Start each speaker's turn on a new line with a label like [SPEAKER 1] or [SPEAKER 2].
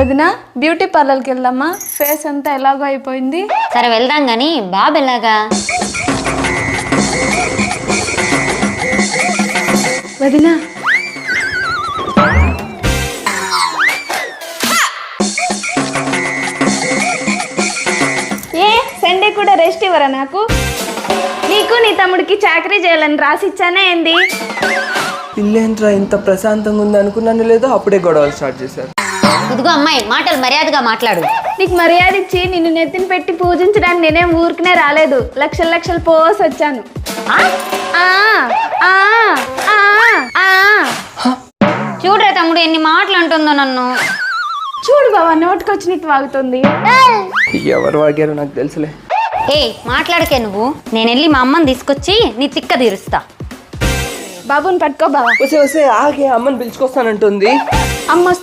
[SPEAKER 1] వదినా బ్యూటీ పార్లర్కి వెళ్దామా? ఫేస్ అంతా ఎలాగో అయిపోయింది.
[SPEAKER 2] సరే వెళ్దాం గాని బాబు ఎలాగా?
[SPEAKER 1] వదినా ఏ సండే కూడా రెస్ట్ ఇవ్వరా నాకు? నీకు నీ తమ్ముడికి చాకరీ చేయాలని రాసిచ్చానే ఏంది?
[SPEAKER 3] పిల్లేంట్రా ఇంత ప్రశాంతంగా ఉంది అనుకున్నాను లేదో అప్పుడే గొడవలు స్టార్ట్ చేశారు.
[SPEAKER 2] ఇదిగో అమ్మాయి, మాటలు మర్యాదగా మాట్లాడు.
[SPEAKER 1] నీకు మర్యాద ఇచ్చి నిన్ను నెత్తిన పెట్టి పూజించడానికి నేనేం ఊరికనే రాలేదు. లక్షలు లక్షలు పోసి వచ్చాను.
[SPEAKER 2] చూడరా తమ్ముడు ఎన్ని మాటలు అంటుందో నన్ను.
[SPEAKER 1] చూడు బావా, నోటికొచ్చినట్టు వాగుతుంది.
[SPEAKER 3] ఎవరు వాగారో నాకు తెలుసులే.
[SPEAKER 2] ఏ మాట్లాడకే నువ్వు. నేను వెళ్ళి మా అమ్మని తీసుకొచ్చి నీ తిక్క తీరుస్తా.
[SPEAKER 1] బాబుని పట్టుకో బావా.
[SPEAKER 3] వస్తే ఆగే అమ్మని పిలుచుకొస్తానంటుంది.
[SPEAKER 1] అమ్మ